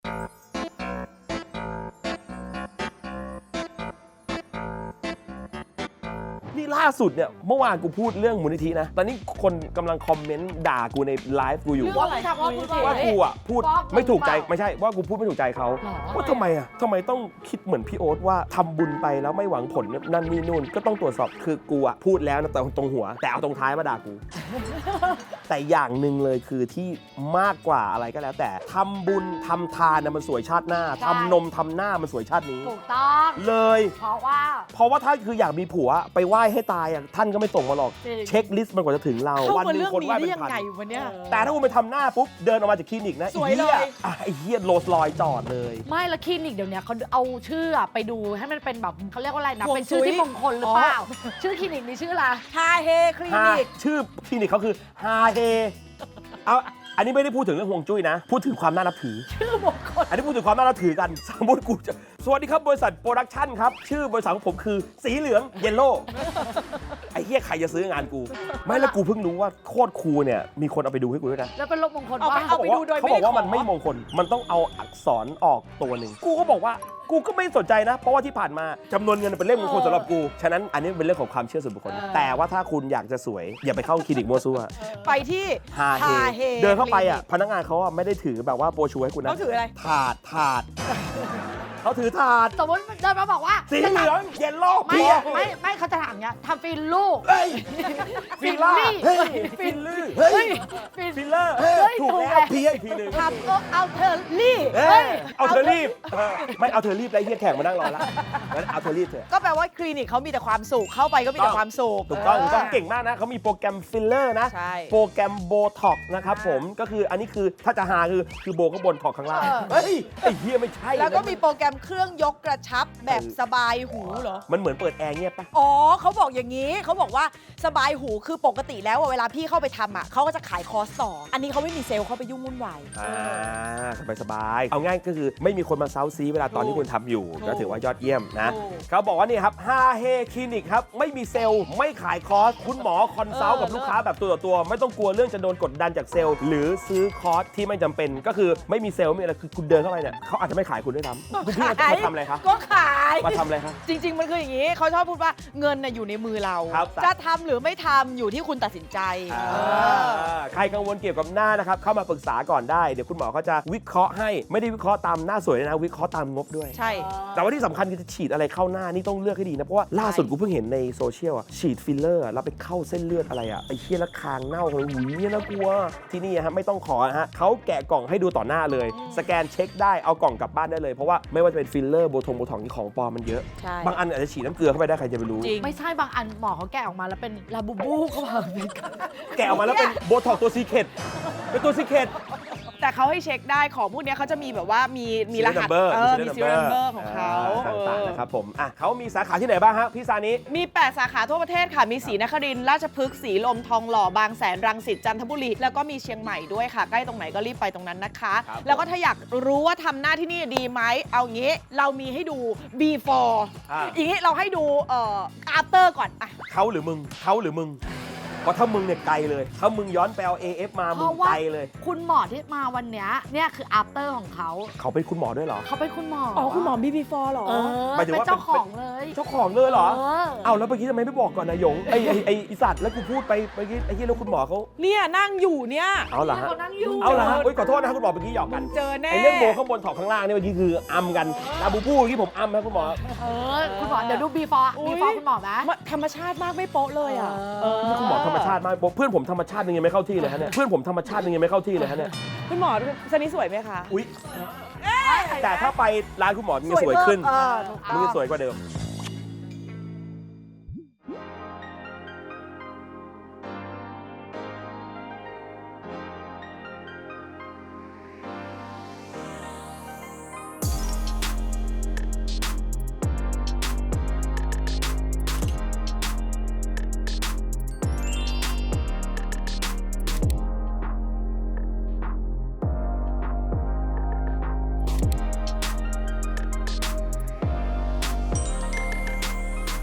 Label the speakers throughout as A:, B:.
A: นี่ล่าสุดเนี่ยเมื่อวานกูพูดเรื่องมูลนิธินะตอนนี้คนกำลังคอมเมนต์ด่ากูในไลฟ์กูอยู่ว่ากูอ่ะพูดไม่ถูกใจไม่ใช่ว่ากูพูดไม่ถูกใจเขาว่าทำไมต้องคิดเหมือนพี่โอ๊ตว่าทำบุญไปแล้วไม่หวังผลนั่นนี่นู่นก็ต้องตรวจสอบคือกูอ่ะพูดแล้วนะแต่ตรงหัวแต่เอาตรงท้ายมาด่ากูแต่อย่างหนึ่งเลยคือที่มากกว่าอะไรก็แล้วแต่ทำบุญทำทานมันสวยชาติหน้าทำนมทำหน้ามันสวยชาตินี้
B: ถูกต้อง
A: เลย
B: เพราะว่า
A: ถ้าคืออยากมีผัวไปไหว้ให้ตายอ่ะท่านก็ไม่ส่งมาหรอกเช็คลิสต์มันกว่าจะถึงเราวันนึงคนไหว้เป็นพันแต่ถ้าคุณไปทำหน้าปุ๊บเดินออกมาจากคลินิกนะไอ้เหี้ยโรสลอยจอดเลย
B: ไม่ละคลินิกเดี๋ยวนี้เขาเอาชื่อไปดูให้มันเป็นแบบเขาเรียกว่าอะไรนะเป็นชื่อที่มงคลหรือเปล่าชื่อคลินิกนี้ชื่ออะไร
C: ฮาเฮคลินิก
A: ชื่อคลินิกเขาคือฮาเฮเอาอันนี้ไม่ได้พูดถึงเรื่องฮวงจุ้ยนะพูดถึงความน่านับถือ
B: ชื่อมงคล
A: อันนี้พูดถึงความน่านับถือกันสมมติกูจะสวัสดีครับบริษัทโปรดักชั่นครับชื่อบริษัทของผมคือสีเหลืองเยลโล่ไอ้เหี้ยใครจะซื้องานกูไม่แล้วกูเพิ่งรู้ว่าโคตรคูลเนี่ยมีคนเอาไปดูให้กูด้วยนะ
B: แล้วเป็นลบมงคล
C: เอาไปดูโดย
A: เขาบอกว่ามันไม่มงคลมันต้องเอาอักษรออกตัวหนึ่งกูก็บอกว่ากูก็ไม่สนใจนะเพราะว่าที่ผ่านมาจำนวนเงินเป็นเรื่องมงคลสำหรับกูฉะนั้นอันนี้เป็นเรื่องของความเชื่อส่วนบุคคลแต่ว่าถ้าคุณอยากจะสวยอย่าไปเข้าคลินิกมั่วซั่ว
C: ไปที่
A: ฮาเฮเดินเข้าไปอ่ะพนักงานเขาไม่ได้ถือแบบว่าโปรชูให้คุณนะ
C: เขาถืออะไร
A: ถาดเขาถือถาด
B: สมมติเดินมาบอกว่า
A: สีเหลืองเยลโล่
B: ไม่เขาจะถามเนี้ยทำฟิลลูก
A: ฟิลล่าฟิลลื่ฟิลเลอร์ถูกแล้วพีอีกทีนึง
B: ทำเอาเธอรีบ
A: เอาเธอรีบไม่เอาเธอรีบแล้วเฮียแขกมานั่งรอแล้วงั้นเอาเธอรีบเถอะ
C: ก็แปลว่าคลินิกเขามีแต่ความสุขเข้าไปก็มีแต่ความสุข
A: ถูกต้องเก่งมากนะเขามีโปรแกรมฟิลเลอร์นะโปรแกรมโบท็อกนะครับผมก็คืออันนี้คือถ้าจะหาคือโบข้างบนท็อกข้างล่างเฮ้ยไอ้เฮียไม่ใช่
C: แล้วก็มีโปรแกรมเครื่องยกกระชับแบบสบายหูเหรอ
A: มันเหมือนเปิดแอร์เงียบปะ
C: อ๋อเขาบอกอย่างนี้เขาบอกว่าสบายหูคือปกติแล้วเวลาพี่เข้าไปทำอ่ะเขาก็จะขายคอร์สต่ออันนี้เขาไม่มีเซลล์เขาไปยุ่งวุ่นวาย
A: สบายเอาง่ายก็คือไม่มีคนมาเซาซีเวลาตอนที่คุณทำอยู่ก็ถือว่ายอดเยี่ยมนะเขาบอกว่านี่ครับฮาเฮคลินิกครับไม่มีเซลล์ไม่ขายคอร์สคุณหมอคอนซัลท์กับลูกค้าแบบตัวต่อตัวไม่ต้องกลัวเรื่องจะโดนกดดันจากเซลล์หรือซื้อคอร์สที่ไม่จำเป็นก็คือไม่มีเซลล์ไม่อะไรคือคุณเดินเข้าไปเนี่ยเขาอาจจะไม่ขายคุณด้วยซ้ำคุณพี่มาทำอะไรครับ
C: ก็ขาย
A: มาทำอะไรครับ
C: จริงๆมันคืออย่างนี้เขาชอบพูดว่าเงินอยู่ในมือเราจะทำหรือไม่ทำอยู่ที่คุณตัดสินใจ
A: ใครกังวลเกี่ยวกับหน้านะครับเข้ามาปรึกษาก่อนได้เดี๋ยวคุณหมอเขาจะวิเคราะห์ให้ไม่ได้วิเคราะห์ตามหน้าสวยนะวิเคราะห์ตามงบด้วย
C: ใช่
A: แต่ว่าที่สำคัญคือจะฉีดอะไรเข้าหน้านี่ต้องเลือกให้ดีนะเพราะว่าล่าสุดกูเพิ่งเห็นในโซเชียลฉีดฟิลเลอร์แล้วไปเข้าเส้นเลือดอะไรไอ้เหี้ยแล้วคางเน่าเลยหูเนี่ยน่ากลัวที่นี่ฮะไม่ต้องขอนะฮะเขาแกะกล่องให้ดูต่อหน้าเลยสแกนเช็คได้เอากล่องกลับบ้านได้เลยเพราะว่าไม่ว่าจะเป็นฟิลเลอร์โบท็อกนี่ของปลอมมันเยอะบางอันอาจจะฉีดน้ำเกลือเข้าไปได้ใครจะไปรู้
B: ไม่ใช่บางอันหมอเขาแกะออกมาแล้วเป็นลาบูบูเขาบอก
A: แกะออกมาแล้วเป็นโบท็อกตัวซีเคร็ตเป็นตัวซีเคร็ต
C: แต่เขาให้เช็คได้ของพวกนี้เขาจะมีแบบว่ามีรหัสมีซีเรียลนัมเบอร์ของเขา
A: ต่างๆนะครับผมเขามีสาขาที่ไหนบ้างฮะพี่ซานิ
C: มี8สาขาทั่วประเทศค่ะมีศรีนครินทร์ราชพฤกษ์ศรีลมทองหล่อบางแสนรังสิตจันทบุรีแล้วก็มีเชียงใหม่ด้วยค่ะใกล้ตรงไหนก็รีบไปตรงนั้นนะคะแล้วก็ถ้าอยากรู้ว่าทำหน้าที่นี่ดีไหมเอางี้เรามีให้ดู before อย่างนี้เราให้ดูafter ก่อน
A: เขาหรือมึงเพราะถ้ามึงเนี่ยไกลเลยถ้ามึงย้อนไปเอา AF มามึงไกลเลย
B: คุณหมอที่มาวันนี้เนี่ยคือ after ของเขา
A: เป็นคุณหมอด้วยเหรอ
B: เขาเป็นคุณหมอ
C: คุณหมอ before หรอ
B: เป็นเจ้าของเลย
A: เหรอเอาแล้วเมื่อกี้ทำไมไม่บอกก่อนนะหยงไอ้สัตว์แล้วกูพูดไปเมื่อกี้ไอ้ที่แล้วคุณหมอเขา
C: เนี่ยนั่งอยู่เนี่ย
A: เอาล่ะขอโทษนะคุณหมอเมื่อกี้หยอกกัน
C: เจอแน่
A: ไอ้เรื่องโบข้างบนถอกข้างล่างเนี่ยเมื่อกี้คืออัมกันลาบูบูเมื่อกี้ผมอัมนะคุณหมอ
B: คุณหมอเดี๋ยวดู before คุณหมอนะ
C: ธรรมชาติมากไม่โป๊ะเลย
A: คุณหมอธรรมชาติมากเพื่อนผมธรรมชาติยังไม่เข้าที่เลยฮะเนี่ย
C: คุณหมอสนิทสวยไหมคะ
A: อุ๊ยแต่ถ้าไปร้านคุณหมอมันจะสวยขึ้นมันจะสวยกว่าเดิม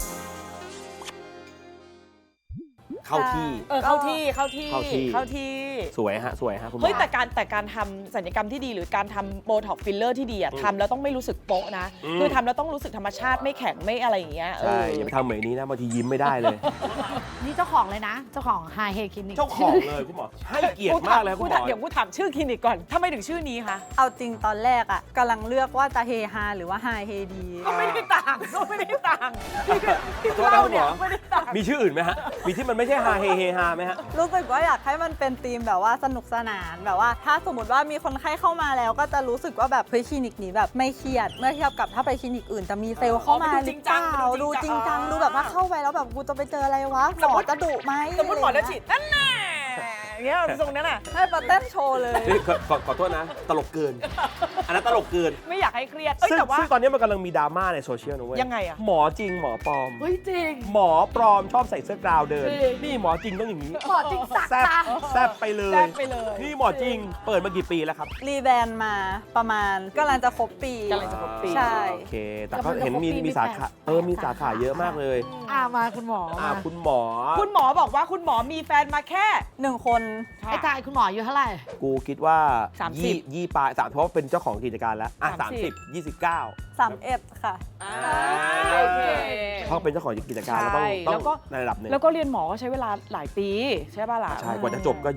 A: เข้าที่สวยฮะสวยฮะคุณหมอ
C: เฮ้ยแต่การทำศัลยกรรมที่ดีหรือการทำโบท็อกฟิลเลอร์ที่ดีอะทำแล้วต้องไม่รู้สึกโป๊ะนะ คือทำแล้วต้องรู้สึกธรรมชาติไม่แข็งไม่อะไรอย่างเงี้ย
A: ใช่อย่าไปทำเหมือนนี้นะบางทียิ้มไม่ได้เลย
B: นี่เจ้าของเลยนะ เจ้าของไฮเฮคลินิก
A: เจ้าของเลยคุณหมอให้เกียรติมากเลยคุณหมอ
C: เดี๋ยวกูถามชื่อคลินิกก่อนทำไมถึงชื่อนี้คะ
D: เอาจริงตอนแรกอ่ะกำลังเลือกว่าจะเฮฮาหรือว่าไฮเฮดี
C: ก็ไม่ได้ต่างก็ไม่ได้ต่างที่
A: โทษนะ
C: เรา
A: คุณห
C: เนี่
A: ม
C: ย
A: อ
C: ไม่ได้ต่าง
A: มีชื่ออื่นไหมฮะมีที่มันไม่ใช่ฮาเฮเฮฮาไหมฮะ
D: รู้สึกว่าอยากให้มันเป็นธีมแบบว่าสนุกสนานแบบว่า ถ้าสมมติว่ามีคนไข้เข้ามาแล้วก็จะรู้สึกว่าแบบเฮ้ยคลินิกนี้แบบไม่เครียดเมื่อเทียบกับถ้าไปคลินิกอื่นจะมีเซลล์เข้ามาหรือเปล่าดูจริงจังดูแบบว่าเข้าไปแล้วแบบกูจะไปเจออะไรวะหมอจะดุไหม
C: สมมติหมอจะฉีดนั่นแน่อย่างเงี้ยทรงนั้นน่ะ
D: ให้มาเต้นโชว์เลย
A: นี่ขอโทษนะ ตลกเกิน อันนั้นตลกเกิน
C: ไม่อยากให้เครียด
A: ซึ่ง
C: แต่ว่า
A: ตอนนี้มันกำลังมีดราม่าในโซเชียลนะเว้ย
C: ยังไงอะ
A: หมอจริงหมอปลอม
B: เฮ้ยจริง
A: หมอปลอมชอบใส่เสื้อกราวเดิน
B: จริง
A: นี่หมอจริงต้องอย่างนี้
B: หมอจริงสัก
A: แซบ
B: ตา
A: แซบไปเลย
C: แซ่บไปเลย
A: นี่หมอจริง เปิดมากี่ปีแล้วครับ
D: รีแบรนด์มาประมาณกำลังจะครบปี
C: กำลังจะครบปี
D: ใช่
A: โอเค แต่ก็เห็นมีสาขามีสาขาเยอะมากเลย
B: มาคุณหมอมา
A: คุณหมอ
C: คุณหมอบอกว่าคุณหมอมีแฟนมาแค่
D: 1 คน
B: ไอ้ตายคุณหมออายู่เท่าไหร่
A: กูคิดว่า
C: 30
A: ยี่ปลายเพราะว่าเป็นเจ้าของกิจการแล้วอ่ะ
C: 30
A: 29
D: 31 ค่ะ
C: โอเค
A: เพราะเป็นเจ้าของกิจการแล้วต้อง
C: ใช่แล้วก็
A: ในระดับหนึ่ง
C: แล้วก็เรียนหมอก็ใช้เวลาหลายปีใช่ป่ะล่ะ
A: ใช่กว่าจะจบก็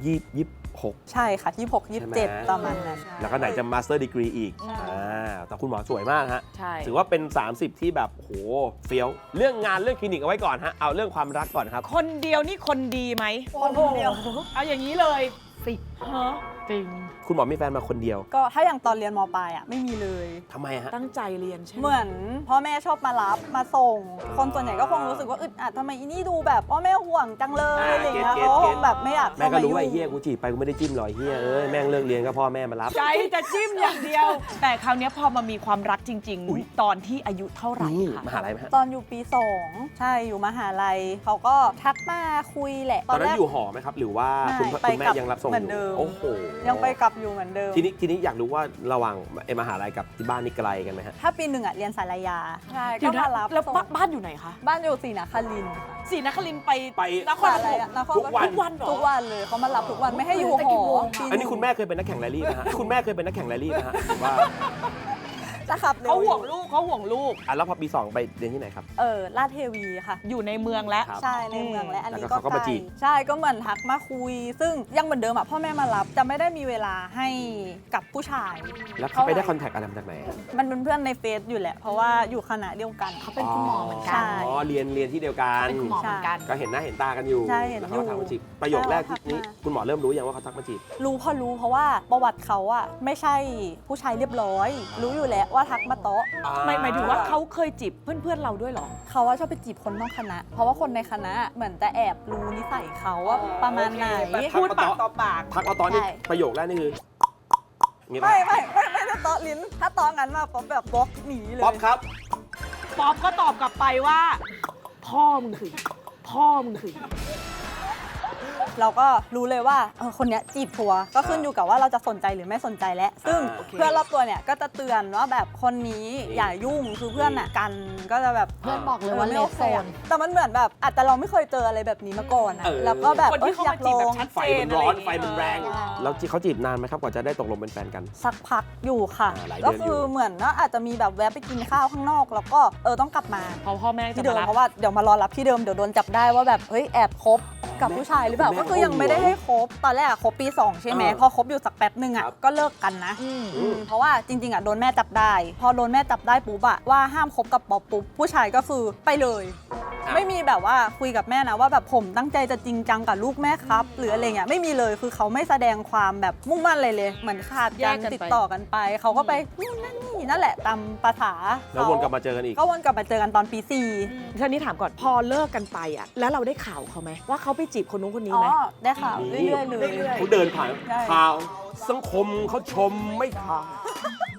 A: 26
D: ใช่ค่ะ26
A: ใช่ไหม
D: 27 ประมาณนั้น
A: แล้วก็ไหนจะมาสเตอร์ดีกรีอีก
C: ใช่
A: แต่คุณหมอสวยมากฮะ
C: ใช่
A: ถือว่าเป็น 30 ที่แบบโหเฟี้ยว เรื่องงานเรื่องคลินิกเอาไว้ก่อนฮะ เอาเรื่องความรักก่อนครับ
C: คนเดียวนี่คนดีไหม
D: คนเดียว
C: เอาอย่างนี้เลย
B: สิบ
C: ฮะ
B: จริง
A: คุณหมอมีแฟนมาคนเดียว
D: ก็ถ้าอย่างตอนเรียนมปลายอ่ะไม่มีเลย
A: ทำไมฮะ
C: ตั้งใจเรียนใช่ไหม
D: เหมือนพ่อแม่ชอบมารับมาส่ง คนส่วนใหญ่ก็คงรู้สึกว่าอึดอัดทำไมอีนี่ดูแบบพ่อแม่ห่วงจังเลยอะไรอย่างเงี้ย
A: เก็ต
D: เขา
A: เก็ต
D: แบบไม่อยาก
A: แม่
D: เข้า
A: ก็
D: มา
A: รู้ว่าไอ้
D: ยุ่ง
A: เฮียกูจีบไปกูไม่ได้จิ้มหรอกไอ้เฮียเอ้ยแม่งเลิกเรียนก็พ่อแม่มารับ
C: ใจจะจิ้มอย่างเดียว แต่คราวเนี้ยพอมามีความรักจริง
A: อุ๊ย
C: ๆ ตอนที่อายุเท่าไหร่
A: นี่
C: คะ
A: มหาลัยไหมฮะ
D: ตอนอยู่ปี 2 ใช่อยู่มหาลัยเขาก็ทักมาคุยแหละ
A: ตอนนั้นอยู่หอไหมครับ หรือว่าคุณ
D: ไม่
A: คุณแม่
D: ไปกลับ
A: ยังรับส่ง
D: เหมื
A: อ
D: อนเดิ
A: ยู่
D: ม
A: โอ้โห
D: ยังไปกลับอยู่เหมือนเดิม
A: ทีนี้อยากรู้ว่าระหว่างมหาลัยกับที่บ้านนี่ไกลกันไหมฮะ
D: ถ้าปี 1อ่ะเรียนสารยาใช่
C: เดี๋
D: ก็
C: ยวนะ
D: มารับ
C: แล้ว
D: ส่ง
C: บ้านอยู่ไหนคะ
D: บ้านอยู่ศรีนครินทร์ค่ะ
C: ศรีนครินทร์ไป
A: ไป
C: นคร
D: สา
C: ป
D: ร
C: ฐม
D: ยานคร
A: ทุกวัน
C: ทุกวันเหรอ
D: ทุกวันเลยเขามารับทุกวันไม่ให้อยู่
B: แต่
D: ห
B: กี่
D: อ
B: โมง
D: ปี
A: อันนี้คุณแม่เคยเป็นนักแข่งแรลลี่นะฮะคุณแม่เคยเป็นนักแข่งแรลลี่นะฮะผมว่า
D: จะขับเร็
C: เขา
D: ว
C: ห่วงลูกเขาห่วงลูก
A: แล้วพอปี 2 ไปเรียนที่ไหนครับ
D: ลาดเทวีค่ะ
C: อยู่ในเมืองแล้ว
A: ครับ
D: ใช่ในเมืองและอันนี้
A: แล้วก็
D: ก็
A: เขาก็มาจีบ
D: ใช่ก็เหมือนทักมาคุย ซึ่งยังเหมือนเดิมอ่ะพ่อแม่มารับจะไม่ได้มีเวลาให้กับผู้ชาย
A: แล้วเขาไปได้คอนแทคอะไรมาจากไหนอะ
D: มันเป็นเพื่อนในเฟซอยู่แหละ เพราะว่าอยู่คณะเดียวกัน
B: เขาเป็นคุณหมอเหมือนกั
D: ใช่
B: น
A: อ๋อเรียนที่เดียวกัน
B: เป็นคุณหมอเหมือนกัน
A: ก็เห็นหน้าเห็นตากันอยู่
D: ใช่เห็น
A: แล้วเขาก็
D: อยู่
A: ทักมาจีบประโยคแรกที่นี้
D: ทักมา
A: คุณหมอเริ่มรู้ยังว่าเขาทักมาจีบ
D: รู้เพราะว่าประวัติเขาอ่ะไม่ใช่ผู้ชายเรียบร้อย รู้อยู่แล้วว่าทักมาโต๊ะ
C: หมายถึงว่าเขาเคยจีบเพื่อนๆเราด้วยเหรอ
D: เขาว่าชอบไปจีบคนนอกคณะ เพราะว่าคนในคณะเหมือนจะแอบรู้นิสัยเขาว่าประมาณไหน
C: พูดปากต่อปาก
A: ทักมาตอนนี้
D: ใช่
A: ประโยคแรกนี่คืออย่างงี้ปะ
D: ไม่ได้โต๊ะลิ้น ถ้าโต๊ะงั้นมาป๊อปแบบบล็อกหนีเลย
A: ป๊อปครับ
C: ป๊อปก็ตอบกลับไปว่า พ่อมึงสิพ่อมึงสิ
D: เราก็รู้เลยว่าคนเนี้ยจีบทัวร์ก็ขึ้นอยู่กับว่าเราจะสนใจหรือไม่สนใจแล้วซึ่ง
A: โอเค
D: เพื่อนรอบตัวเนี่ยก็จะเตือนว่าแบบคนนี้อย่ายุ่งคือเพื่อนอ่ะกันก็จะแบบ
B: เพื่อนบอกเลยว่าเล
D: ไม่โอ
B: ฟ
D: เค
B: โซน
D: อะแต่มันเหมือนแบบอาจจะเราไม่เคยเจออะไรแบบนี้มาก่อนอะแล้วก็แบบ
C: คนที่เข้า
D: อยา
C: มาก จีบ
D: ล
C: แบบ
D: อง
C: ชัด
A: ไฟ
C: เจน
A: มันร้อน
C: ะไย่าง
A: ไฟ
C: เงี้ย
A: มันแรง แล้วเขาจีบนานไหมครับกว่าจะได้ตกลงเป็นแฟนกัน
D: สักพักอยู่ค่ะ
A: หลายเดือนอยู่
D: ก็คือเหมือนว่าอาจจะมีแบบแวะไปกินข้าวข้างนอก แล้วก็ต้องกลับมา
C: เพราะพ่อแม่จะ
D: ที่เดิ
C: มาม รับ
D: เพราะว่าเดี๋ยวมารอรับที่เดิมเดี๋ยวโดนจับได้ว่าแบบเฮ้ยแอบคบกับผู้ชายหรือเปล่า
A: แม่
D: ก็คือยังไม่ได้ให้คบตอนแรกอะคบปี 2 ใช่ไหมพอคบอยู่สักแป๊บนึงอ่ะ
A: ครับ
D: ก็เลิกกันนะเพราะว่าจริงๆอ่ะโดนแม่จับได้ พอโดนแม่จับได้ปุ๊บอ่ะว่าห้ามคบกับป๊อปปุ๊บผู้ชายก็คือไปเลย ไม่มีแบบว่าคุยกับแม่นะว่าแบบผมตั้งใจจะจริงจังกับลูกแม่ครับ หรืออะไรเงี้ยไม่มีเลยคือเขาไม่แสดงความแบบมุ่งมั่นเลยเลย เหมือนขาด
C: แย
D: การ
C: กกันไป
D: ติดต่อกันไปเขาก็ไปนู่นนั่นนี่นั่นแหละตามภาษา
A: แล้ววนกลับมาเจอกันอีก
D: ก็วนกลับมาเจอกันตอนปี 4
C: ทีนี้ถามก่อนพอเลิกกันไปอ่ะแล้วเราได้ข่าวเขาไหมว่าเขาไปจีบคนนู้นคนนี้
D: อ๋อ
C: ไหม
D: ได้ข่าว
A: นี่
D: เรื่อยๆเลย
C: เรื่อย
A: เขาเดินผ่าน
D: ใช่
A: ข่าวสังคมเขาชมไม่ข่าว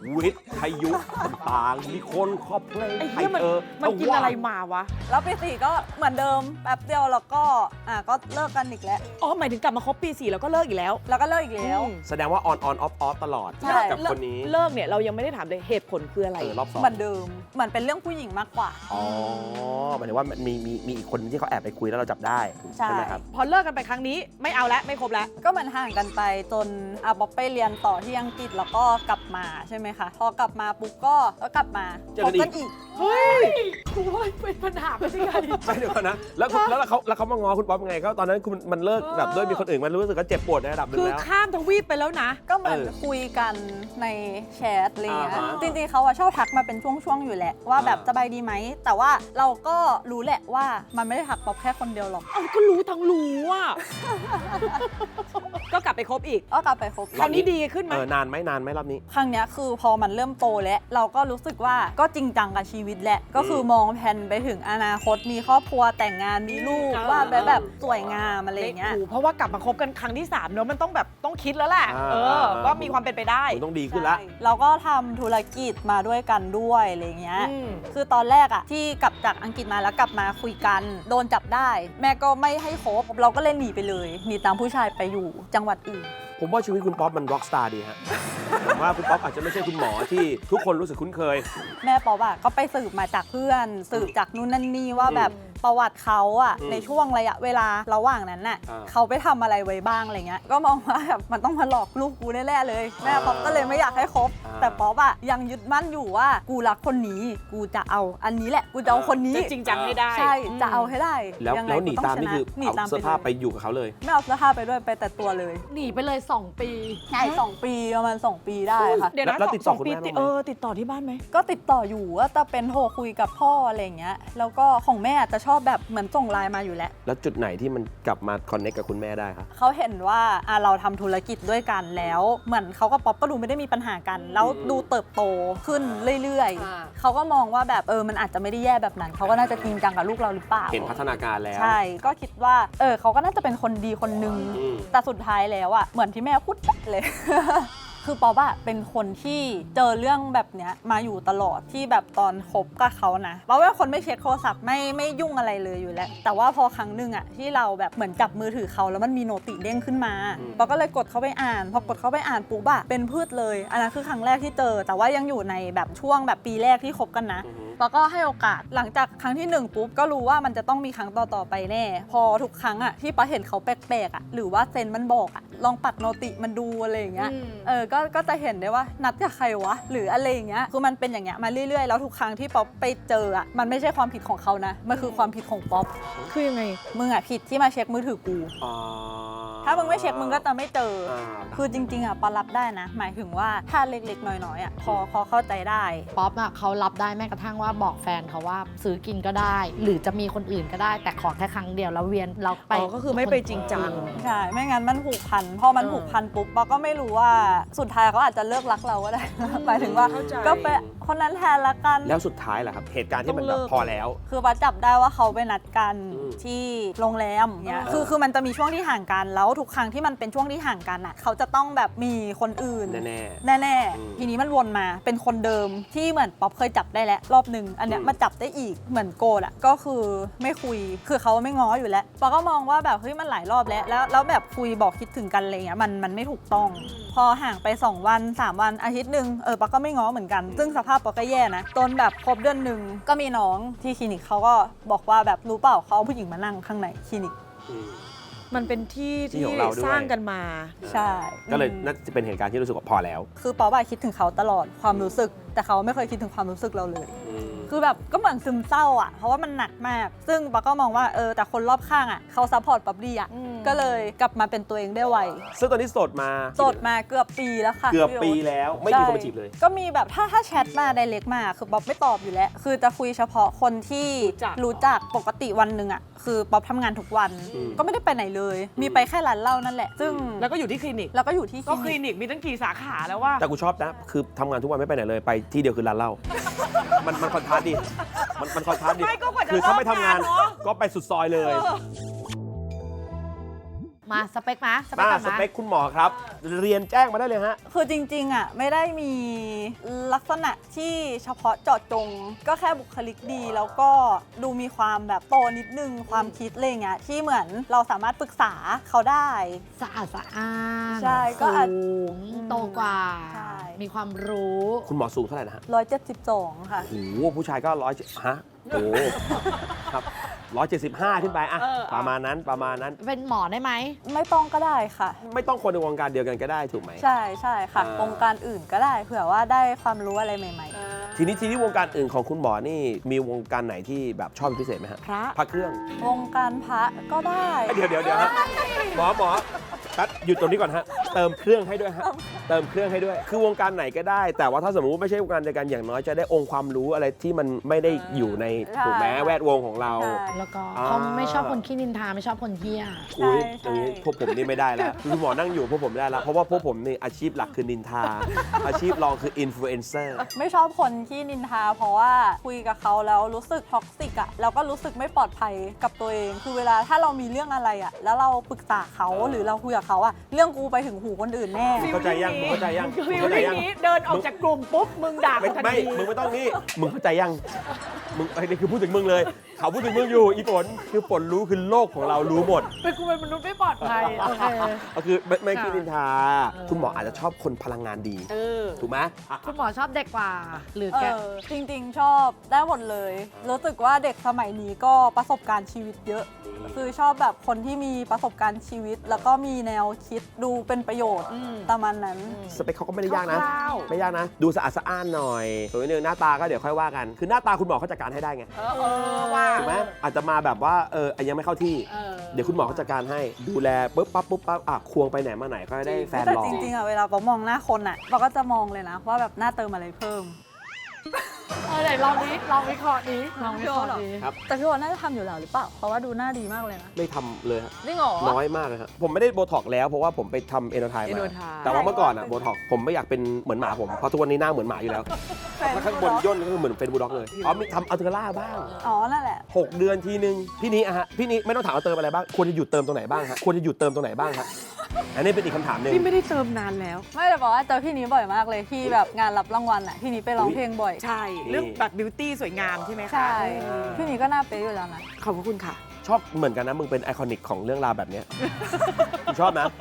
A: วิทยุต่างๆมีคนขอเพลง
C: ไอ้
A: ไท
C: เหี้
A: ย
C: ยมัน
A: เ
C: มันกินอะไรมาวะ
D: แล้วปี4ก็เหมือนเดิมแป๊บเดียวแล้วก็ก็เลิกกันอีกแล้ว
C: อ๋อหมายถึงกลับมาคบปี 4 แล้วก็เลิกอีกแล้ว
D: แล้วก็เลิกอีกแล้ว
A: แสดงว่าออนออฟตลอด
D: ใช่
A: กับคนนี้
C: เลิกเนี่ยเรายังไม่ได้ถามเลยเหตุผลคืออะไร
A: รอบสอง
D: เหมือนเดิมเหมือนเป็นเรื่องผู้หญิงมากกว่า
A: อ๋อหมายถึงว่ามันมีอีกคนที่เขาแอบไปคุยแล้วเราจับได้
D: ใช่
A: ไหมครับ
C: พอเลิกกันไปครั้งนี้ไม่เอาแล้วไม่คบแล้ว
D: ก็เหมือนห่างกันไปจนบ๊อบไปเรียนต่อที่อังกฤษแล้วก็กลับมาใช่ไหมคะพอกลับมาปุ๊บก็กลับมา
A: เจอกันอีก
D: คบอีก
B: เฮ้ยกูว่าเป็นปัญหาไม่ใช่ไง
A: ไม่เดี๋ยวก่อนนะแล้วเขามางอคุณป๊อปยังไงก็ตอนนั้นคุณมันเลิกแบบด้วยมีคนอื่นมันรู้สึกว่าเจ็บปวดในระดับหนึง
C: คือ
A: แล้ว
C: ข้ามทวีปไปแล้วนะ
D: ก็เหมือน
A: เออ
D: คุยกันในแชทอะไรเงี้ย
A: อ่าฮะ
D: จริงๆเขาชอบทักมาเป็นช่วงๆอยู่แหละว่าแบบ
A: อ่า
D: สบายดีไหมแต่ว่าเราก็รู้แหละว่ามันไม่ได้ทักป๊อปแค่คนเดียวหรอก
C: เอาก็รู้ทั้งรู้อ่ะ ก็กลับไปคบอีก
D: ก็กลับไปคบ
C: คราวนี้ดีขึ้นไหม
A: นานไหมรอบนี้
D: ครั้งเนี้ยคือพอมันเริ่มโตแล้วเราก็รู้สึกว่าก็จริงจังกับชีวิตแหละก็คือมองแผนไปถึงอนาคตมีครอบครัวแต่งงานมีลูกว่าแบบสวยงามอะไรอย่างเงี้ย
C: เพราะว่ากลับมาคบกันครั้งที่3เนอะมันต้องแบบต้องคิดแล้วแหละ
A: อ่า
C: ว่ามีความเป็นไปได้
A: คุณต้องดีขึ้นละ
D: ใช่เราก็ทำธุรกิจมาด้วยกันด้วยอะไรเงี้ย
C: อืม
D: คือตอนแรกอะที่กลับจากอังกฤษมาแล้วกลับมาคุยกัน โดนจับได้ แม่ก็ไม่ให้คบเราก็เลยหนีไปเลยหนีตามผู้ชายไปอยู่จังหวัดอื่น
A: ผมว่าชีวิตคุณป๊อปมันร็อกสตาร์ดีฮะ ผมว่าคุณป๊อปอาจจะไม่ใช่คุณหมอที่ทุกคนรู้สึกคุ้นเคย
D: แม่ป๊อบอะก็ไปสืบมาจากเพื่อน สืบจากนู่นนั่นนี่ว่าแบบประวัติเขาอะ
A: อืม
D: ในช่วงระยะเวลาระหว่างนั้นน่ะ
A: อ่า
D: เขาไปทำอะไรไว้บ้างอะไรเงี้ยก็มองว่าแบบมันต้องมาหลอกลูกกูแน่ๆเลย แม่ป๊อบก็เลยไม่อยากให้คบ แต่ป๊อบอะยังยึดมั่นอยู่ว่ากูรักคนนี้กูจะเอาอันนี้แหละกูจะเอาคนนี้
C: จะจริงจังให้ได้
D: ใช่จะเอาให้ได้
A: แล้ว
D: ยังไง
A: แล้วหนี
D: กู
A: ตาม
D: ช
A: นี่
D: นะ
A: คือ
D: หนี
A: เอา
D: ตาม
A: เสื้อผ้าไป
D: เลย
A: อยู่กับเขาเลย
D: ไม่เอาเสื้อผ้าไปด้วยไปแต่ตัวเลย
B: หนีไปเลย 2 ปี
D: ใช่2 ปีประมาณ2 ปีได้ค่ะ
C: เดี๋ยวนะ
A: แล้วติดต่อ
C: สงปี
A: คุณแม่บ้างไหม
C: ติดต่อที่บ้านไหม
D: ก็ติดต่ออยู่ว่าจะเป็นโทรคุยกับพ่ออะไรอย่างเงี้ยแล้วก็ของแม่จะชอบแบบเหมือนส่งไลน์มาอยู่แล้ว
A: แล้วจุดไหนที่มันกลับมาคอนเนคกับคุณแม่ได้ครับ
D: เขาเห็นว่าเราทำธุรกิจด้วยกันแล้ว เหมือนเขากับป๊อปก็ดูไม่ได้มีปัญหากัน แล้วดูเติบโตขึ้นเรื่อย
B: อ่า
D: ๆเขาก็มองว่าแบบมันอาจจะไม่ได้แย่แบบนั้นเขาก็น่าจะจริงจังกับลูกเราหรือเปล่า
A: เห็นพัฒนาการแล้ว
D: ใช่ก็คิดว่าเขาก็น่าจะเป็นคนดีคนนึง
A: อืม
D: แต่สุดท้ายแล้วอะเหมือนที่แม่พูดเลย คือป๊อปอะเป็นคนที่เจอเรื่องแบบเนี้ยมาอยู่ตลอดที่แบบตอนคบกับเขานะป๊อปเป็นคนไม่เช็คโทรศัพท์ไม่ยุ่งอะไรเลยอยู่แล้ว แต่ว่าพอครั้งหนึ่งอะที่เราแบบเหมือนจับมือถือเขาแล้วมันมีโนติเด้งขึ้นมาป๊อปก็เลยกดเข้าไปอ่านพอกดเข้าไปอ่านปุ๊บอะเป็นพืชเลยอันนั้นคือครั้งแรกที่เจอ แต่ว่ายังอยู่ในแบบช่วงแบบปีแรกที่คบกันนะ แล้วก็ให้โอกาสหลังจากครั้งที่1ปุ๊บก็รู้ว่ามันจะต้องมีครั้งต่อๆไปแน่ พอทุกครั้งอะที่ป๊าเห็นเขาแปลกๆอะหรือว่าเซนมันบอกอะลองปัดโนติมันดูอะไรอย่างเงี้ย ก็จะเห็นได้ว่านัดกับใครวะหรืออะไรอย่างเงี้ยคือมันเป็นอย่างเงี้ยมาเรื่อยๆแล้วทุกครั้งที่ป๊อปไปเจออะมันไม่ใช่ความผิดของเขานะมันคือความผิดของป๊อป
C: คือยังไง
D: มึงอะผิดที่มาเช็คมือถือกู ถ้ามึงไม่เช็คมึงก็จะไม่เจอ คือจริงๆอะปารับได้นะ หมายถึงว่าถ้าเล็กๆน้อยๆอะพอเข้าใจได้
B: ป๊อปเขารับได้แม้กระทั่งว่าบอกแฟนเขาว่าซื้อกินก็ได้ หรือจะมีคนอื่นก็ได้ แต่ขอแค่ครั้งเดียวแล้วเวียนเราไป
C: ก็คือไม่ไปจริงจัง
D: ใช่ไม่งั้นมันผูกพันพอมันผูกพันปุ๊บป๊อปก็ไม่รู้ว่าสุดท้ายเขาอาจจะเลิกรักเราก็ได้ หมายถึงว่า
C: เข้าใจ
D: ก็ไปคนนั้นแทนละกัน
A: แล้วสุดท้ายล่ะครับ เหตุการณ์ที่มัน
C: ต้อง
A: แบ
C: เลิ
A: บ
C: ก
A: พอแล้ว
D: คือป๊าจับได้ว่าเขาไปนัดกัน
A: อืม
D: ที่โรงแรมเนี่ยคือมันจะมีช่วงที่ห่างกันแล้วทุกครั้งที่มันเป็นช่วงที่ห่างกันอ่ะเขาจะต้องแบบมีคนอื่น
A: แน่
D: แน่
A: อืม
D: ๆทีนี้มันวนมาเป็นคนเดิมที่เหมือนป๊อปเคยจับได้แล้วรอบหนึ่งอันเนี้ย
A: อืม
D: มาจับได้อีกเหมือนโกรธอ่ะก็คือไม่คุยคือเขาไม่ง้ออยู่แล้วป๊อปก็มองว่าแบบเฮ้ยมันหลายรอบแล้วแบบคุยบอกคิดถึงกันอะไรเงี้ยมันไม่ถูกต้อง พอห่างไป2 วัน 3 วันอาทิตย์หนึ่งป๊อปก็ไม่ง้อเหมือนกัน ซึ่งสภาพป๊อปก็แย่นะจนแบบครบเดือนหนึ่งก็มีน้องที่คลินิกเขาก็บอกว่าแบบรู้เปล่าเขาเอาผู้หญิงมานั่งข้างในคลินิก
A: อืม
C: มันเป็นที่
A: ที่
C: ที่
A: ของเราด้วย
C: สร้างกันมา
D: ใช่
A: ก็เลยน่าจะเป็นเหตุการณ์ที่รู้สึกว่าพอแล้ว
D: คือป๊อปอะคิดถึงเขาตลอดความรู้สึก แต่เขาไม่เคยคิดถึงความรู้สึกเราเลย
A: อืม
D: คือแบบก็เหมือนซึมเศร้าอ่ะเพราะว่ามันหนักมาก ซึ่งป๊อปก็มองว่าแต่คนรอบข้างอ่ะเขาซัพพอร์ตป๊อปดีอ่ะ
C: อืม
D: ก็เลยกลับมาเป็นตัวเองได้ไว
A: ซึ่งตอนนี้โสดมา
D: โสดมาเกือบปีแล้วค่ะ
A: เกือบ
D: พี่โอ๊ต
A: ปีแล้วไม่มีคนมาจีบเลย
D: ก็มีแบบถ้าแชทมาไดเรกมาคือป๊อปไม่ตอบอยู่แล้ว คือจะคุยเฉพาะคนที่รู้จักปกติวันหนึ่งอ่ะคือป๊อปทำงานทุกวัน
A: อืม
D: ก็ไม่ได้ไปไหนเลย มีไปแค่ร้านเหล้านั่นแหละ ซึ่ง
C: แล้วก็อยู่ที่คลินิก
D: แล้วก็อยู่ที่
C: ก็ค
D: คลิ
C: ลิ
D: นิก
C: นิกมีตั้งกี่สาขาแล้วว่า
A: แต่กูชอบนะ คือทำงานทุกวันไม่ไปไหนเลย ไปที่เดียวคือร้านเหล้า มันคอนทราสต์ดี มันคอนทราสต์ดี
C: ไม่ก็กว่าจะ
A: คือถ้าไม่ทำงาน
C: เลิกงานเนอะ
A: ก็ไปสุดซอยเลย
B: มมาสเปคมาสเปค
A: มา
B: ก่อน
A: ส
B: มา
A: เปคคุณหมอครับ เรียนแจ้งมาได้เลยฮะ
D: คือจริงๆอ่ะไม่ได้มีลักษณะที่เฉพาะเจาะจง ก็แค่บุคลิกดีแล้วก็ดูมีความแบบโตนิดนึงความคิดอะไรเงี้ยที่เหมือนเราสามารถปรึกษาเขาได้
B: สะอาดสะอ้าน
D: ใช่ก็อาจ
B: สูงโตกว่า
D: ใช่
B: มีความรู้
A: คุณหมอสูงเท่าไหร่นะฮะ
D: 172 ค่ะ
A: โอ้โหผู้ชายก็ฮะโอ้โหครับ175 ขึ้นไปอะประมาณนั้นประมาณนั้น
B: เป็นหมอได้ไหม
D: ไม่ต้องก็ได้ค่ะ
A: ไม่ต้องคนในวงการเดียวกันก็ได้ถูกไหม
D: ใช่ใช่ค่ะ
A: อ่า
D: วงการอื่นก็ได้เผื่อว่าได้ความรู้อะไรใหม่
A: ทีนี้วงการอื่นของคุณหมอนี่มีวงการไหนที่แบบชอบเป็นพิเศษไหมฮะ
B: พระ
A: พระเครื่อง
D: ๆ วงการพระก็ได้
A: เดี๋ยวฮะหมอตัดหยุดตรงนี้ก่อนฮะเติมเครื่องให้ด้วยฮะเติมเครื่องให้ด้วย คือวงการไหนก็ได้ แต่ว่าถ้าสมมติไม่ใช่วงการเดียวกันอย่างน้อยจะได้องค์ความรู้อะไรที่มันไม่ได้อยู่ในถูกไหมแวดวงของเรา
D: ใช่
B: แล้วก็
A: อ่า
B: เขาไม่ชอบคนขี้นินทาไม่ชอบคนเฮี้ย
A: อุ้ย
D: ใช่
A: อย่างนี้
D: ใช่
A: พวกผมนี่ไม่ได้แล้วคือหมอนั่งอยู่พวกผมไม่ได้แล้วเพราะว่าพวกผมนี่อาชีพหลักคือนินทา อาชีพรองคืออินฟลูเอนเซอร์
D: ไม่ชอบคนที่นินทา เพราะว่าคุยกับเขาแล้วรู้สึกท็อกซิกอะแล้วก็รู้สึกไม่ปลอดภัยกับตัวเอง คือเวลาถ้าเรามีเรื่องอะไรอะแล้วเราปรึกษาเขาหรือเราคุยกับเขาอะเรื่องกูไปถึงหูคนอื่นแน่
A: เข้าใจยังมึงเข้าใจยัง
C: ฟิ
A: มึง
C: ล
A: เข้าใจ
C: ลิ่ง
A: ยัง
C: นี้เดินออกจากกลุ่มปุ๊บมึงด่า
A: ไม่
C: ทัน
A: ไม่
C: ที
A: มึงไม่ต้องนี่มึงเข้าใจยังมึงไอ้นี่คือพูดถึงมึงเลย เขาพูดถึงมึงอยู่อีฝนคือฝนรู้คือโลกของเรารู้หมด
B: เป็นกูเป็นมนุษย์ไม่ปลอดภัยโอเค
A: ก็คือไม่คิดนินทา
B: เออ
A: คุณหมออาจจะชอบคนพลังงานดี ถูกไหมอ่ะ
B: คุณหมอชอบเด็กกว่า หรือแก
D: จริงๆ ชอบได้หมดเลย รู้สึกว่าเด็กสมัยนี้ก็ประสบการณ์ชีวิตเยอะ คือชอบแบบคนที่มีประสบการณ์ชีวิต แล้วก็มีแนวคิดดูเป็นประโยชน์ประมาณนั้น
A: สเปคเขาก็ไม่ได้ยากนะ
B: คร่าว
A: ไม่ยากนะ ดูสะอาดสะอ้านหน่อยส่วนนิดนึงหน้าตาก็เดี๋ยวค่อยว่ากัน คือหน้าตาคุณหมอเขาจัดการให้ได้ไง
C: ว่า
A: ถูกไหมอาจจะมาแบบว่ายังไม่เข้าที่ เดี๋ยวคุณหมอเขาจัดการให้ ดูแลปุ๊บปั๊บควงไปไหนมาไหนก็ได้แฟน
D: แต่
A: หล่อ
D: จริงๆอะเวลาเรามองหน้าคนอะเราก็จะมองเลยนะ ว่าแบบหน้าเติมอะไรเพิ่ม
B: ไหนลองนี้ลองวิเคราะห์นี้ลองวิเคราะห์นี้
A: ครับ
D: แต่พี่วอนน่าจะทำอยู่แล้วหรือเปล่า เพราะว่าดูหน้าดีมากเลยนะ
A: ไม่ทำเลยฮะ
D: จริงเหรอ
A: น้อยมากเลยครับผมไม่ได้โบท็อกแล้วเพราะว่าผมไปทำเอโนไทมา
C: Enotype
A: แต่ว่าเมื่อก่อนอะโบท็อกผมไม่อยากเป็นเหมือนหมาผมเพราะทุกวันนี้หน้าเหมือนหมาอยู่แล้วแล้วข้างบนย่นก็คือเหมือนเป็นบูลด็อกเลยมีทำอัลเทอร่าบ้าง
D: อ๋อ นั่นแหละ
A: 6 เดือนทีนึงพี่นี้อะฮะพี่นี้ไม่ต้องถามว่าเติมอะไรบ้างควรจะหยุดเติมตรงไหนบ้างฮะควรจะหยุดเติมตรงไหนบ้างฮะอันนี้เป็นอีกคำถามหนึ่ง
C: พี่ไม่ได้เติมนานแล้ว
D: ไม่แต่บอกว่าเจอพี่นี้บ่อยมากเลยที่แบบงานรับรางวัลอะพี่นี้ไปร้องเพลงบ่อย
C: ใช่ เรื่องแบบบิวตี้สวยงามใช่ไหมคะ
D: ใช่ พี่นี้ก็หน้าเป๊ะอยู่แล้วนะ
C: ขอบพระคุณค่ะ
A: ชอบเหมือนกันนะมึงเป็นไอคอนิกของเรื่องราวแบบเนี้ย กูชอบนะ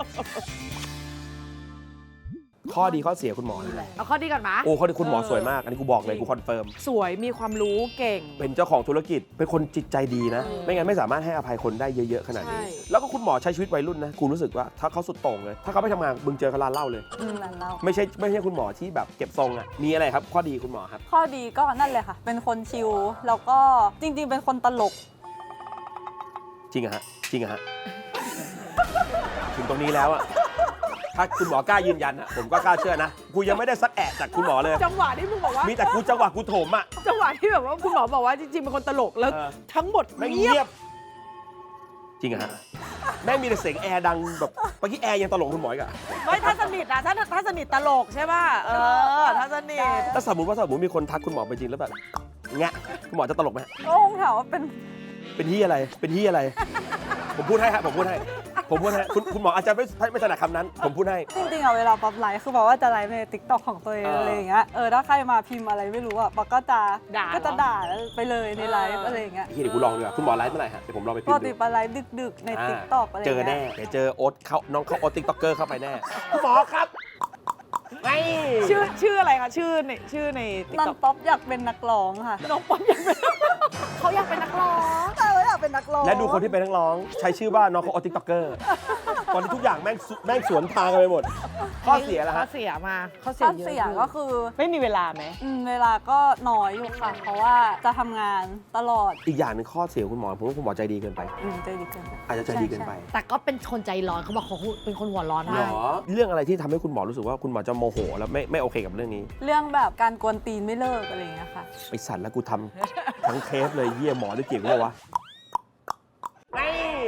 A: ข้อดีข้อเสียคุณหมอนะ
B: เอาข้อดีก่อนมะ
A: โอ้ข้อดีคุณหมอสวยมาก อันนี้กูบอกเลยกูคอนเฟิร์ม
C: สวยมีความรู้เก่ง
A: เป็นเจ้าของธุรกิจเป็นคนจิตใจดีนะ ไม่งั้นไม่สามารถให้อภัยคนได้เยอะๆขนาดนี้
C: ใช่
A: แล้วก็คุณหมอใช้ชีวิตวัยรุ่นนะกูรู้สึกว่าถ้าเขาสุดโต่งเลย ถ้าเขาไม่ทำงานมึงเจอเขาร้านเหล้าเลย
D: ร้านเรา
A: ไม่ใช่คุณหมอที่แบบเก็บทรงอ่ะมีอะไรครับ ข้อดีคุณหมอครับ
D: ข้อดีก็นั่นเลยค่ะ เป็นคนชิล แล้วก็จริง ๆ เป็นคนตลก
A: จริงอะฮะจริงอะฮะ ถึงตรงนี้แล้วอะถ้าคุณหมอกล้ายืนยันอะผมก็กล้าเชื่อนะ กูยังไม่ได้สักแอะจากคุณหมอเลย
C: จังหวะที่มึงบอกว่า
A: มีแต่กูจังหวะกูโถมอะ
C: จังหวะที่แบบว่าคุณหมอบอกว่าจริงๆเป็นคนตลกแล้ว
A: เออ
C: ทั้งหมด
A: ไม่
C: เงี
A: เงี
C: ย
A: ย
C: บบ
A: จริงอะฮะแม่งมีแต่เสียงแอร์ดังแบบเมื่อกี้แอร์ยังตลกคุณหมออีกอะ
C: ไม่ถ้าสนิทอะถ้าสนิทตลกใช่ป่ะถ้าสนิท
A: ถ้าสมมติมีคนทักคุณหมอไปจริงแล้วแบบแงะคุณหมอจะตลกไหม
D: ก็คงถามว่าเป็น
A: เป็นที่อะไรเป็นที่อะไร ผมพูดให้ฮะผมพูดให้คุณหมออาจจะไม่ถนัดคำนั้น ผมพูดให้
D: จริงๆอะเวลาป๊อปไลฟ์คือบอกว่าจะไลฟ์ในติ๊กต็อกของตัวเองอะไรอย่างเงี้ย ถ้าใครมาพิมพ์อะไรไม่รู้อะป๊อปก็จะ
C: ด่า
D: ด่าไปเลยในไลฟ์อะไรอย่างเงี้ย
A: เดี๋ยวกูลองดีกว่าคุณหมอไลฟ์เมื่อไหร่ฮะเดี๋ยวผมลองไป
D: ป
A: พิม
D: ก
A: พ์
D: ติ
A: ดู
D: ไปไลฟ์ดึกๆในติ๊กต็อกอะไรอ
A: เจ
D: ย่าง
A: อแน่
D: เงี้ย
A: เดี๋ยวเจอโอ๊ตน้องเขาโอ๊ตติ๊กต็อกเกอร์เข้าไปแน่คุณหมอครับไง
C: ชื่ออะไรคะชื่อในติ๊ก
D: นัน
C: ต็อก
D: ป๊อปอยากเป็นนักร้องค่ะ
C: น้องป๊อปยังเป็น
B: เขาอยากเป็นนักร้อง
D: ใช่ว่าอยากเป็นนักร้อง
A: และดูคนที่เป็นนักร้องใช้ชื่อว่าน้องเขาโอ๊ตติ๊กต็อกเกอร์ตอนนี้ทุกอย่างแม่งสวนทางกันไปหมด ข้อเสียแล้ว
B: ข้อ
A: ฮะ
B: เสียมาข้อเสี
D: ข้
B: ย
D: อ
B: เยอะ
D: เสียก็คือ
C: ไม่มีเวลาไหม
D: เวลาก็น้อยอยู่ค่ะ เพราะว่าจะทำงานตลอด
A: อีกอย่างหนึงข้อเสียคุณหมอผมว่าคุณหมอใจดีเกินไป
D: ใจดีเกินไป
A: อาจจะใจดีเกินไป
B: แต่ก็เป็นคนใจร้อนเขาบอกเขาเป็นคนหัวร้อน
A: หร
B: ได้
A: อเรื่องอะไรที่ทำให้คุณหมอรู้สึกว่าคุณหมอจะโมโหแล้วไม่โอเคกับเรื่องนี้
D: เรื่องแบบการกวนตีนไม่เลิกอะไรอย่างเงี้ยค่ะ
A: ไอสัตว์แล้วกูทำทั้งเคสเลยเยี่ยหมอได้เก่งวะ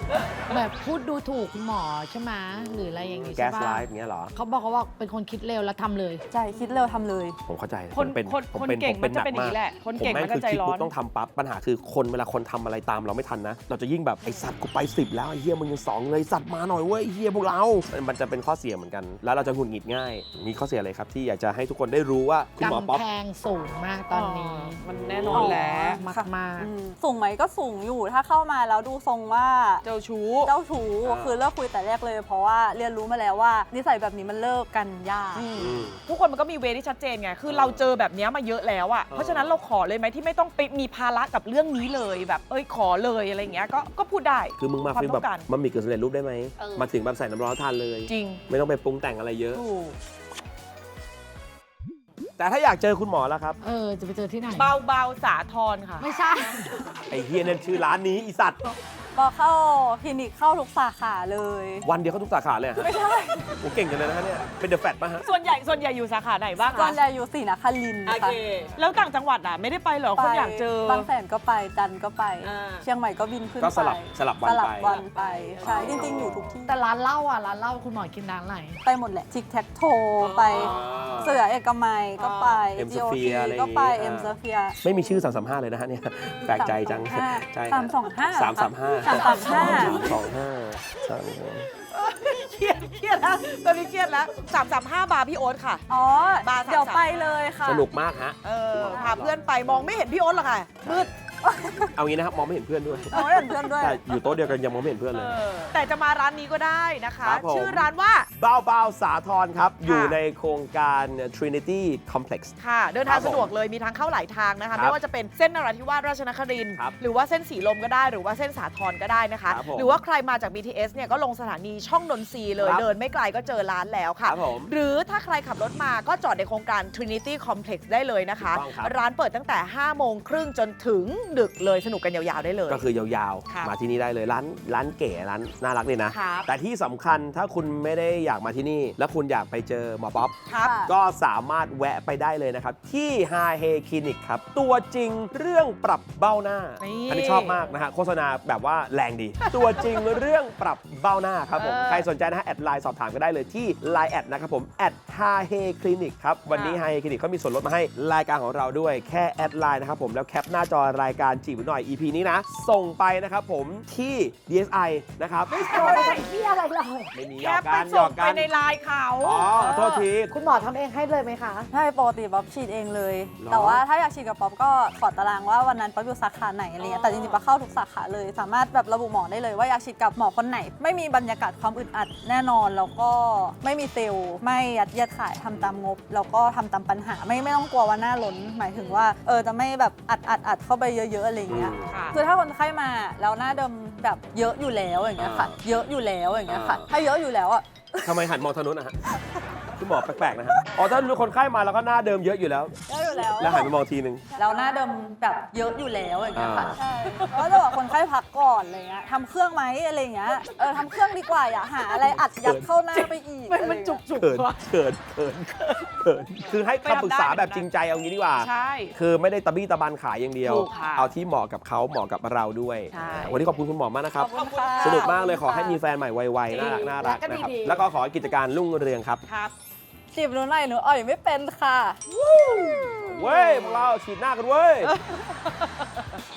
B: แบบพูดดูถูกคุณหมอใช่ไหมหรืออะไรอย่างงี้
A: แก๊
B: ใช่
A: สไล
B: ปะ
A: ฟ์เงี้ยเหรอ
B: เขาบอกเขาว่าเป็นคนคิดเร็วแล้วทำเลย
D: ใช่คิดเร็วทำเลย
A: ผมเข้าใจ
C: คน
A: ผมเป็น
C: คน
A: ผม
C: คน
A: เป็น
C: เก่ง
A: ผม
C: มันจะเป็นอย่างนี้แหละคนเก่ง
A: ผม
C: มันจะ
A: คือ
C: ใจ
A: คิด
C: ร้อ
A: ปุ๊
C: น
A: บต้องทำปั๊บปัญหาคือคนเวลาคนทำอะไรตามเราไม่ทันนะ เราจะยิ่งแบบไอสัตว์กูไป10แล้วไอเฮียมึงยัง2เลยสัตว์มาหน่อยเว้ยไอ้เฮียพวกเรามันจะเป็นข้อเสียเหมือนกัน แล้วเราจะหงุดหงิดง่าย มีข้อเสียอะไรครับที่อยากจะให้ทุกคนได้รู้ว่าคุณหมอป๊อป
B: กำแพงสูงมากตอนนี้
C: มันแน่นอนแหละ
B: มากมาก
D: สูงไหมก็สูงอยู่ถ้าเข้ามาแล้วดูทรงว่า
C: เจ้าชู้
D: เจ้าชู้คือเลิกคุยแต่แรกเลย เพราะว่าเรียนรู้มาแล้วว่านิสัยแบบนี้มันเลิกกันยาก
C: ทุกคนมันก็มีเวที่ชัดเจนไง คือเราเจอแบบเนี้ยมาเยอะแล้วอะเพราะฉะนั้นเราขอเลยไหมที่ไม่ต้องไปมีภาระกับเรื่องนี้เลยแบบขอเลยอะไรอย่างเงี้ยก็พูดได้
A: คือมึงมา
C: ความ
A: ฟีล
C: ต้
A: แบ
C: อบ งการ
A: มันมีกึ่งสำเร็จรูปได้ไหม มาถึงแบบใส่น้ำร้อนทานเลย
C: จริง
A: ไม่ต้องไปปรุงแต่งอะไรเยอะ
C: ถูก
A: แต่ถ้าอยากเจอคุณหมอแล้วครับ
B: จะไปเจอที่ไหน
C: เบาๆสาทรค่ะ
B: ไม่ใช่
A: ไอเฮียนั่นชื่อร้านนี้อีสัตว์
D: พอเข้าคลินิกเข้าทุกสาขาเลย
A: วันเดียวเขาทุกสาขาเลยเหรอฮะไม่ใช่โอ้เก่งกันเลยนะฮะเนี่ยเป็นเดอะแฟตป่ะฮะ
C: ส่วนใหญ่อยู่สาขาไหนบ้าง
D: ส่ว
C: คะ
D: นใหญ่อยู่ศรีนครินทร์ค่ะ
C: แล้วต่างจังหวัดอะไม่ได้ไปเหรอคนอยากเจอ
D: บางแสนก็ไปจันทร์ก็ไป
C: อ่า
D: เชียงใหม่ก็บินขึ้น
A: ก็
D: ไป
A: สลับวัน
D: สลับ
A: ไป
D: วันไปใช่จริงๆอยู่ทุกที่
B: แต่ร้านเหล้าร้านเหล้าคุณหมอกินร้านไหน
D: ไปหมดแหละทิกแท็กโทไป เสือเอกมัยก็ไป
A: M
D: GOT
A: Sphere อะไรอย่างงี้
D: ก็ไป
A: อ่า
D: เอ็มสเฟีย
A: ไม่มีชื่อ335เลยนะฮะเนี่ยแปลกใจจังใช่
D: 325
A: 335 335
C: เครียดแล้วตอนนี้เครียดแล้ว335 บาร์พี่โอ๊ตค่ะ
D: อ๋อ
C: บาร์
D: เดี๋ยว
C: 335
D: ไปเลยค่ะ
A: สนุกมากฮะ
C: พาเพื่อนไปมองไม่เห็นพี่โอ๊ตหรอกค่ะมืด
A: เอางี้นะครับมองไม่เห็นเพื่อนด้วย
D: เอาไม่เห็นเพื่อนด้วย
A: แต่อยู่โต๊ะเดียวกันยังมองไม่เห็นเพื่อนเลย
C: แต่จะมาร้านนี้ก็ได้นะคะ
A: ครับผม
C: ชื่อร้านว่า
A: บ้าวสาทรครับ อยู่ในโครงการ Trinity Complex
C: ค่ะ เดินทาง
A: ครับผม
C: สะดวกเลยมีทางเข้าหลายทางนะ
A: ครั
C: คะ
A: บ
C: ไม่ว่าจะเป็นเส้นนราธิวาสราชนครินทร์
A: ครับ
C: หรือว่าเส้นสีลมก็ได้หรือว่าเส้นสาทรก็ได้นะคะ
A: ครับผม
C: หรือว่าใครมาจาก BTS เนี่ยก็ลงสถานีช่องนนทรีย์เลย
A: ครับ
C: เดินไม่ไกลก็เจอร้านแล้ว
A: ค
C: ค่ะ
A: รับผม
C: หรือถ้าใครขับรถมาก็จอดในโครงการ Trinity Complex ได้เลยนะคะ
A: ถูกต้องครับ
C: ร้านเปิดตั้งแต่ 5 โมงครึ่งจนถึงดึกเลยสนุกกันยาวๆได้เลย
A: ก็คือยาว
C: ครับ
A: ๆ มาที่นี่ได้เลยร้านเก๋ร้านน่ารักเลยนะ
C: ครับ
A: แต่ที่สำคัญถ้าคุณไม่ได้อยากมาที่นี่ แล้วคุณอยากไปเจอหมอป๊อป
C: ครับ
D: ค่ะ
A: ก็สามารถแวะไปได้เลยนะครับ ที่ Ha He Clinic ครับ ตัวจริงเรื่องปรับเบ้าหน้า
C: นี่
A: อันนี้ชอบมากนะฮะโฆษณาแบบว่าแรงดี ตัวจริงเรื่องปรับเบ้าหน้าครับผม ใครสนใจนะฮะแอดไลน์สอบถามก็ได้เลยที่ Line แอดนะครับผมแอด Ha He Clinic ครับ วันนี้ Ha He Clinic เขามีส่วนลดมาให้รายการของเราด้วยแค่แอดไลน์นะครับผมแล้วแคปหน้าจอรายการจีบหน่อย EP นี้นะ ส่งไปนะครับผมที่ DSI นะครับ
B: ที่อะไรเรา
A: ไม่มีห
C: แค
A: ยอก
C: ปไป
A: กันหย
C: ส่
A: อง ก
C: ไป
A: กัน
C: ในไลน์เขา
A: อ๋อโทษที
B: คุณหมอทำเองให้เลยไหมคะ
D: ใช่ปกติป๊อปฉีดเองเลย
A: หรอ
D: แต่ว่าถ้าอยากฉีดกับป๊อปก็ขอตารางว่าวันนั้นป๊อปอยู่สาขาไหนอะไรเงี้ยแต่จริงๆป๊อปเข้าทุกสาขาเลย สามารถแบบระบุหมอได้เลยว่าอยากฉีดกับหมอคนไหน ไม่มีบรรยากาศความอึดอัดแน่นอนแล้วก็ไม่มีเซลล์ไม่ยัดเยียดขายทำตามงบแล้วก็ทำตามปัญหาไม่ต้องกลัวว่าหน้าล้นหมายถึงว่าจะไม่แบบอัดเข้าไปเยอะๆอะไรเงี้ย
C: ค่ะ
D: คือถ้าคนไข้มาแล้วหน้าเดิมแบบเยอะอยู่แล้วอย่างเงี้ยค่ะ เยอะอยู่แล้วอย่างเงี้ยค่ะ ถ้าเยอะอยู่แล้วอ่ะ
A: ทำไมหันมองทางนู้นนะฮะคุณหมอแปลกๆนะฮะอ๋อถ้าคนไข้มาแล้วก็หน้าเดิมเยอะอยู่แล้ว
D: เยอะอยู่แล้ว
A: แล้วหันไปมองทีนึง
D: แล้วหน้าเดิมแบบเยอะอยู่แล้วอย่างเงี้ยค่ะ
A: อ่า
D: ใช่แล้วจะบอกคนไข้พักก่อนอะไรเงี้ยทำเครื่องไหมอะไรเงี้ยทำเครื่องดีกว่าอย่าหาอะไรอัดยัดเข้าหน้าไปอีก
C: มันจุก
A: เขินคือให้คำปรึกษาแบบจริงใจเอางี้ดีกว่า
C: ใช่
A: คือไม่ได้ตะบี้ตะบันขายอย่างเดียว
C: ถูกค่ะ
A: เอาที่เหมาะกับเขาเหมาะกับเราด้วย
C: ใช่
A: วันนี้ขอบคุณคุณหมอมากนะครับ
D: ขอบคุณค่ะ
A: สนุกมากเลยขอให้มีแฟนใหม่ไวๆน่ารักนะครับ แล้วก็ขอให้กิจการรุ่งเรืองครับ
C: ครับ
D: จีบหนูหน่อยหนูอ่อยไม่เป็นค่ะ
A: เว้ยพวกเราฉีดหน้ากันเว้ย